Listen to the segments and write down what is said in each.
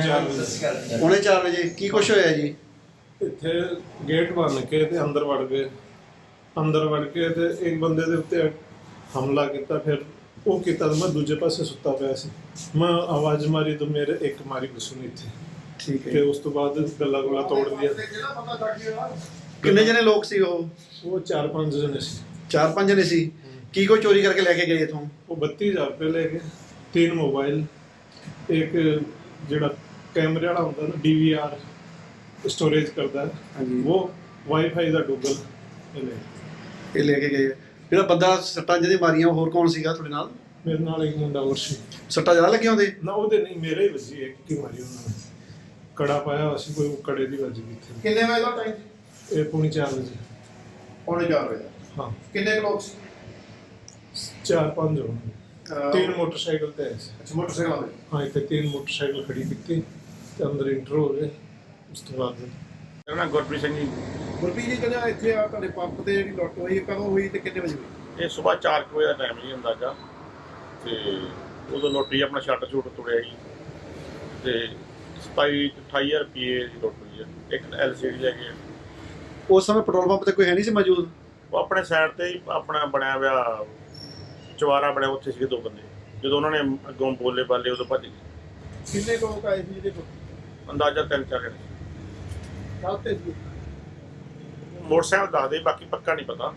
ਪੌਣੇ 4 ਵਜੇ ਕੀ ਕੁਛ ਹੋਇਆ ਜੀ? ਇੱਥੇ ਗੇਟ ਬੰਨ ਕੇ ਤੇ ਅੰਦਰ ਵੜ ਗਏ। ਅੰਦਰ ਵੜ ਕੇ ਤੇ ਇੱਕ ਬੰਦੇ ਦੇ ਉੱਤੇ ਹਮਲਾ ਕੀਤਾ। ਫਿਰ ਉਹ ਕੀਤਾ ਤਾਂ ਮੈਂ ਦੂਜੇ ਪਾਸੇ ਸੁੱਤਾ ਪਿਆ ਸੀ। ਮੈਂ ਆਵਾਜ਼ ਮਾਰੀ ਤਾਂ ਮੇਰੇ ਇੱਕ ਮਾਰੀ ਗੁੱਸੂ ਇੱਥੇ। ਠੀਕ ਹੈ। ਤੇ ਉਸ ਤੋਂ ਬਾਅਦ ਗੱਲਾਂ ਗੁੱਲਾਂ ਤੋੜ ਲਿਆ। ਕਿੰਨੇ ਜਣੇ ਲੋਕ ਸੀ ਉਹ? ਉਹ 4-5 ਜਣੇ ਸੀ। 4-5 ਜਣੇ ਸੀ। ਕੀ ਕੋਈ ਚੋਰੀ ਕਰਕੇ ਲੈ ਕੇ ਗਏ ਇਥੋਂ? ਉਹ 32,000 ਰੁਪਏ ਲੈ ਗਏ, 3 ਮੋਬਾਈਲ, ਇੱਕ ਜਿਹੜਾ ਕੈਮਰੇ ਵਾਲਾ ਹੁੰਦਾ ਨਾ DVR स्टोरेज करता है वो वाईफाई ਦਾ ਡੂਗਲ ਇਹ ਲੈ ਕੇ ਗਏ। ਜਿਹੜਾ ਬੰਦਾ ਸੱਟਾਂ ਜਿਹਦੇ ਮਾਰੀਆਂ ਹੋਰ ਕੌਣ ਸੀਗਾ ਤੁਹਾਡੇ ਨਾਲ? ਮੇਰੇ ਨਾਲ ਇੱਕ ਮੁੰਡਾ ਹੋਰ ਸੀ। ਸੱਟਾਂ ਜ਼ਿਆਦਾ ਲੱਗੀਆਂ ਉਹਦੇ? ਨਾ ਉਹਦੇ ਨਹੀਂ, ਮੇਰੇ ਹੀ ਵੱਜੀ। ਇੱਕ ਕੀ ਮਾਰੀ ਉਹਨਾਂ ਨੇ, ਕੜਾ ਪਾਇਆ ਸੀ ਕੋਈ, ਕੜੇ ਦੀ ਵੱਜ ਗਈ ਇੱਥੇ। ਕਿੰਨੇ ਵਜੇ ਦਾ ਟਾਈਮ ਸੀ? ਇਹ ਪੌਣੇ 4 ਵਜੇ। ਪੌਣੇ 4 ਵਜੇ ਹਾਂ। ਕਿੰਨੇ ਲੋਕ ਸੀ? 4-5 ਹੋਣਗੇ। 3 ਮੋਟਰਸਾਈਕਲ ਤੇ ਆਏ ਸੀ। ਅੱਛਾ, ਮੋਟਰਸਾਈਕਲ ਤੇ? ਹਾਂ, ਇੱਥੇ 3 ਮੋਟਰਸਾਈਕਲ ਖੜੀ ਕੀਤੀ ਤੇ ਅੰਦਰ ਇੰਟਰ ਹੋ ਗਏ। ਉਸ ਤੋਂ ਬਾਅਦ ਮੇਰਾ ਨਾਮ ਗੁਰਪ੍ਰੀਤ ਸਿੰਘ ਜੀ। ਗੁਰਪ੍ਰੀਤ ਜੀ, ਕਹਿੰਦਾ ਇੱਥੇ ਆ ਤੁਹਾਡੇ ਪੰਪ ਤੇ ਜਿਹੜੀ ਲੁੱਟ ਹੋਈ ਕਦੋਂ ਹੋਈ ਤੇ ਕਿੰਨੇ ਵਜੇ ਹੋਈ? ਇਹ ਸਵੇਰ 4 ਵਜੇ ਦਾ ਟਾਈਮ ਜੀ ਅੰਦਾਜ਼ਾ। ਤੇ ਉਦੋਂ ਲੋਟਰੀ ਆਪਣਾ ਸ਼ਟਰ ਸ਼ੂਟ ਤੁੜਿਆ ਜੀ ਤੇ 28,000 ਰੁਪਏ ਦੀ ਲੁੱਟ ਹੋਈ ਹੈ। ਇੱਕ LCD ਲੈ ਗਏ। ਉਸ ਸਮੇਂ ਪੈਟਰੋਲ ਪੰਪ ਤੇ ਕੋਈ ਹੈ ਨਹੀਂ ਸੀ ਮੌਜੂਦ? ਉਹ ਆਪਣੇ ਸਾਈਡ ਤੇ ਹੀ ਆਪਣਾ ਬਣਿਆ ਹੋਇਆ ਚੁਬਾਰਾ ਬਣਿਆ, ਉੱਥੇ ਸੀਗੇ 2 ਬੰਦੇ। ਜਦੋਂ ਉਹਨਾਂ ਨੇ ਅੱਗੋਂ ਬੋਲੇ ਬਾਲੇ ਉਦੋਂ ਭੱਜ ਗਏ। ਕਿੰਨੇ ਲੋਕ ਆਏ ਸੀ ਜਿਹਦੇ ਅੰਦਾਜ਼ਾ 3-4 ਜਣੇ। ਤੇ ਸੀ? ਮੋਟਰਸਾਈਕਲ ਦੱਸਦੇ, ਬਾਕੀ ਪੱਕਾ ਨਹੀਂ ਪਤਾ।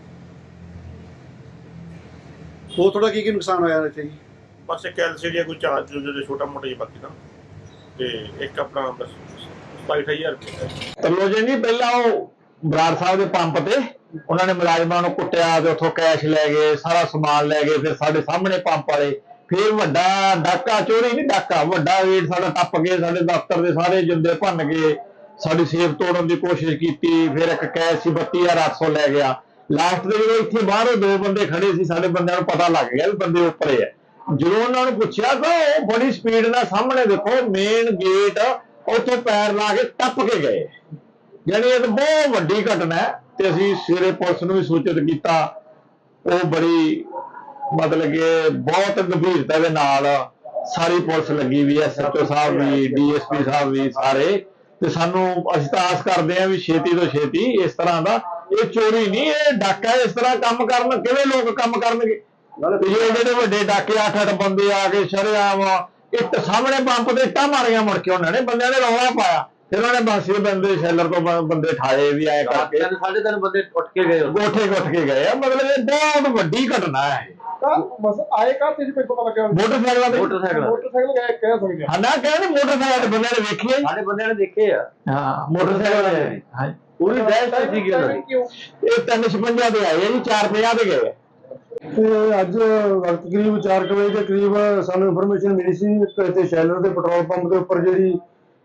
ਹੋਰ ਥੋੜਾ ਕੀ ਨੁਕਸਾਨ ਹੋਇਆ ਇੱਥੇ ਜੀ? ਬਸ ਇੱਕ LCD ਕੋਈ ਚਾਰਜ ਜਿਹੜੇ ਛੋਟਾ ਮੋਟਾ ਜਿਹਾ ਬਾਕੀ ਨਾ, ਤੇ ਇੱਕ ਆਪਣਾ ਬਸ 28,000 ਰੁਪਏ। ਤਰਲੋ ਜੀ ਨਹੀਂ, ਪਹਿਲਾਂ ਉਹ ਬਰਾੜ ਸਾਹਿਬ ਦੇ ਪੰਪ ਤੇ ਉਹਨਾਂ ਨੇ ਮੁਲਾਜ਼ਮਾਂ ਨੂੰ ਕੁੱਟਿਆ ਤੇ ਉੱਥੋਂ ਕੈਸ਼ ਲੈ ਗਏ, ਸਾਰਾ ਸਮਾਨ ਲੈ ਗਏ। ਫਿਰ ਸਾਡੇ ਸਾਹਮਣੇ ਪੰਪ ਵਾਲੇ ਫਿਰ ਵੱਡਾ ਡਾਕਾ, ਚੋਰੀ ਨਹੀਂ ਡਾਕਾ, ਵੱਡਾ ਰੇਟ ਸਾਡਾ ਟੱਪ ਗਏ। ਸਾਡੇ ਦਫ਼ਤਰ ਦੇ ਸਾਰੇ ਜਿੰਦੇ ਭੰਨ ਗਏ, ਸਾਡੀ ਸੇਫ ਤੋੜਨ ਦੀ ਕੋਸ਼ਿਸ਼ ਕੀਤੀ। ਫਿਰ ਇੱਕ ਕੈਸ਼ ਸੀ 32,800 ਲੈ ਗਿਆ। ਲਾਸਟ ਦੇ ਜਦੋਂ ਇੱਥੇ ਬਾਹਰੋਂ 2 ਬੰਦੇ ਖੜੇ ਸੀ, ਸਾਡੇ ਬੰਦਿਆਂ ਨੂੰ ਪਤਾ ਲੱਗ ਗਿਆ ਵੀ ਬੰਦੇ ਉੱਪਰੇ ਆ। ਜਦੋਂ ਉਹਨਾਂ ਨੂੰ ਪੁੱਛਿਆ ਤਾਂ ਉਹ ਬੜੀ ਸਪੀਡ ਨਾਲ ਸਾਹਮਣੇ ਦੇਖੋ ਮੇਨ ਗੇਟ ਉੱਥੋਂ ਪੈਰ ਲਾ ਕੇ ਟੱਪ ਕੇ ਗਏ। ਯਾਨੀ ਇਹ ਬਹੁਤ ਵੱਡੀ ਘਟਨਾ ਹੈ ਤੇ ਅਸੀਂ ਸਵੇਰੇ ਪੁਲਿਸ ਨੂੰ ਵੀ ਸੂਚਿਤ ਕੀਤਾ। ਉਹ ਬੜੀ ਮਤਲਬ ਕਿ ਬਹੁਤ ਗੰਭੀਰਤਾ ਦੇ ਨਾਲ ਸਾਰੀ ਪੁਲਿਸ ਲੱਗੀ ਵੀ ਹੈ, SHO ਸਾਹਿਬ ਵੀ, DSP ਸਾਹਿਬ ਵੀ ਸਾਰੇ। ਤੇ ਸਾਨੂੰ ਅਸੀਂ ਤਾਂ ਆਸ ਕਰਦੇ ਹਾਂ ਵੀ ਛੇਤੀ ਤੋਂ ਛੇਤੀ ਇਸ ਤਰ੍ਹਾਂ ਦਾ, ਇਹ ਚੋਰੀ ਨਹੀਂ, ਇਹ ਡਾਕਾ। ਇਸ ਤਰ੍ਹਾਂ ਕੰਮ ਕਰਨ ਕਿਵੇਂ ਲੋਕ ਕੰਮ ਕਰਨਗੇ? ਜਿਹੜੇ ਵੱਡੇ ਡਾਕੇ 8-8 ਬੰਦੇ ਆ ਕੇ ਸ਼ਰੇਆਮ ਇੱਟ ਸਾਹਮਣੇ ਪੰਪ ਤੇ ਇੱਟਾਂ ਮਾਰੀਆਂ। ਮੁੜ ਕੇ ਉਹਨਾਂ ਨੇ ਬੰਦਿਆਂ ਨੇ ਰੌਲਾ ਪਾਇਆ। ਫਿਰ ਉਹਨਾਂ ਨੇ ਬਾਸੀ ਬੰਦੇ ਸ਼ੈਲਰ ਤੋਂ ਬੰਦੇ ਠਾਏ ਵੀ ਆਏ ਕਰਕੇ। 3.5 ਬੰਦੇ ਉੱਠ ਕੇ ਗਏ, ਗੋਠੇ ਉੱਠ ਕੇ ਗਏ ਆ। ਮਤਲਬ ਇਹ ਬਹੁਤ ਵੱਡੀ ਘਟਨਾ ਹੈ। ਬਸ ਆਏ ਕਾ ਤੇ ਕੋਈ ਪਤਾ ਲੱਗਿਆ? ਮੋਟਰਸਾਈਕਲਾਂ ਤੇ ਮੋਟਰਸਾਈਕਲ ਗਏ ਕਹਿ ਸਕਦੇ ਹਾਂ ਨਾ, ਕਹਿੰਦੇ ਮੋਟਰਸਾਈਕਲ ਤੇ ਬੰਦੇ ਨੇ ਵੇਖੇ, ਸਾਡੇ ਬੰਦਿਆਂ ਨੇ ਦੇਖੇ ਆ। ਹਾਂ ਮੋਟਰਸਾਈਕਲ ਤੇ। ਹਾਂ ਪੂਰੀ ਦਹਿਸ਼ਤ ਸੀਗੀ ਉਹਨਾਂ ਦੀ। ਇਹ 356 ਦੇ ਆਏ ਆ ਜੀ, 450 ਦੇ ਗਏ। ਤੇ ਅੱਜ ਵਕਤ ਕਰੀਬ 4 ਵਜੇ ਦੇ ਕਰੀਬ ਸਾਨੂੰ ਇਨਫੋਰਮੇਸ਼ਨ ਮਿਲੀ ਸੀ ਕਿ ਸ਼ੈਲਰ ਦੇ ਪੈਟਰੋਲ ਪੰਪ ਦੇ ਉੱਪਰ ਜਿਹੜੀ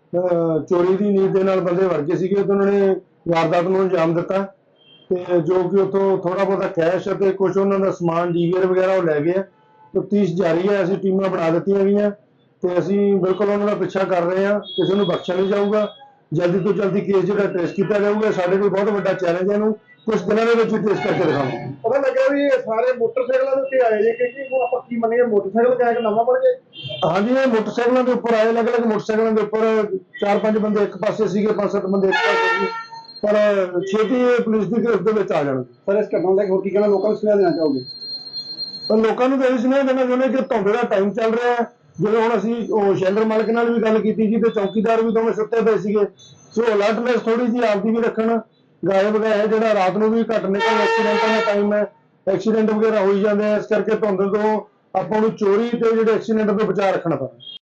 ਚੋਰੀ ਦੀ ਨੀਤ ਦੇ ਨਾਲ ਬੰਦੇ ਵੜ ਗਏ ਸੀਗੇ ਤੇ ਉਹਨਾਂ ਨੇ ਵਾਰਦਾਤ ਨੂੰ ਅੰਜਾਮ ਦਿੱਤਾ। ਤੇ ਜੋ ਕਿ ਉੱਥੋਂ ਥੋੜਾ ਬਹੁਤਾ ਕੈਸ਼ ਅਤੇ ਕੁਝ ਉਹਨਾਂ ਦਾ ਸਮਾਨ DVR ਵਗੈਰਾ ਉਹ ਲੈ ਗਏ। ਤਫਤੀਸ਼ ਜਾਰੀ ਹੈ। ਅਸੀਂ ਟੀਮਾਂ ਬਣਾ ਦਿੱਤੀਆਂ ਗਈਆਂ ਤੇ ਅਸੀਂ ਬਿਲਕੁਲ ਉਹਨਾਂ ਦਾ ਪਿੱਛਾ ਕਰ ਰਹੇ ਹਾਂ। ਕਿਸੇ ਨੂੰ ਬਖਸ਼ਿਆ ਨਹੀਂ ਜਾਊਗਾ। ਜਲਦੀ ਤੋਂ ਜਲਦੀ ਕੇਸ ਜਿਹੜਾ ਟ੍ਰੇਸ ਕੀਤਾ ਜਾਊਗਾ। ਸਾਡੇ ਕੋਲ ਬਹੁਤ ਵੱਡਾ ਚੈਲੰਜ ਹੈ, ਇਹਨੂੰ ਕੁਝ ਦਿਨਾਂ ਦੇ ਵਿੱਚ ਟ੍ਰੇਸ ਕਰਕੇ ਦਿਖਾਵਾਂਗੇ। ਪਤਾ ਲੱਗਿਆ ਵੀ ਇਹ ਸਾਰੇ ਮੋਟਰਸਾਈਕਲਾਂ ਦੇ ਉੱਤੇ ਆਏ ਜੇ ਕਿ ਉਹ ਆਪਾਂ ਕੀ ਮੰਨੀਏ, ਮੋਟਰਸਾਈਕਲ ਕਿਹਾ ਕਿ ਨਵਾਂ ਬਣ ਗਿਆ? ਹਾਂਜੀ, ਇਹ ਮੋਟਰਸਾਈਕਲਾਂ ਦੇ ਉੱਪਰ ਆਏ। ਅਲੱਗ-ਅਲੱਗ ਮੋਟਰਸਾਈਕਲਾਂ ਦੇ ਉੱਪਰ 4-5 ਬੰਦੇ ਇੱਕ ਪਾਸੇ ਸੀਗੇ, 5-7 ਬੰਦੇ ਇੱਕ ਪਾਸੇ ਸੀ। ਪਰ ਛੇਤੀ ਪੁਲਿਸ ਦੀ ਗ੍ਰਿਫਤ ਦੇ ਵਿੱਚ ਆ ਜਾਣਗੇ। ਸਰ, ਇਸ ਘਟਨਾ ਦਾ ਹੋਰ ਕੀ ਕਹਿਣਾ, ਲੋਕਾਂ ਨੂੰ ਸੁਨੇਹਾ ਦੇਣਾ ਚਾਹੋਗੇ? ਪਰ ਲੋਕਾਂ ਨੂੰ ਤਾਂ ਇਹ ਸੁਨੇਹਾ ਦੇਣਾ ਚਾਹੁੰਦੇ ਕਿ ਧੁੰਦ ਦਾ ਟਾਈਮ ਚੱਲ ਰਿਹਾ ਹੈ। ਜਦੋਂ ਹੁਣ ਅਸੀਂ ਉਹ ਸ਼ੈਲਰ ਮਾਲਕ ਨਾਲ ਵੀ ਗੱਲ ਕੀਤੀ ਜੀ ਤੇ ਚੌਕੀਦਾਰ ਵੀ ਦੋਵੇਂ ਸੁੱਤੇ ਪਏ ਸੀਗੇ। ਸੋ ਅਲਰਟਨੈਸ ਥੋੜੀ ਜਿਹੀ ਆਪਦੀ ਵੀ ਰੱਖਣ। ਗਾਇਬ ਗਏ ਜਿਹੜਾ ਰਾਤ ਨੂੰ ਵੀ ਘੱਟ ਨਿਕਲ, ਐਕਸੀਡੈਂਟਾਂ ਦਾ ਟਾਈਮ ਹੈ, ਐਕਸੀਡੈਂਟ ਵਗੈਰਾ ਹੋਈ ਜਾਂਦੇ ਆ। ਇਸ ਕਰਕੇ ਧੁੰਦ ਤੋਂ ਆਪਾਂ ਨੂੰ ਚੋਰੀ ਤੇ ਜਿਹੜੇ ਐਕਸੀਡੈਂਟ ਤੋਂ ਬਚਾ ਰੱਖਣਾ ਪੈਂਦਾ।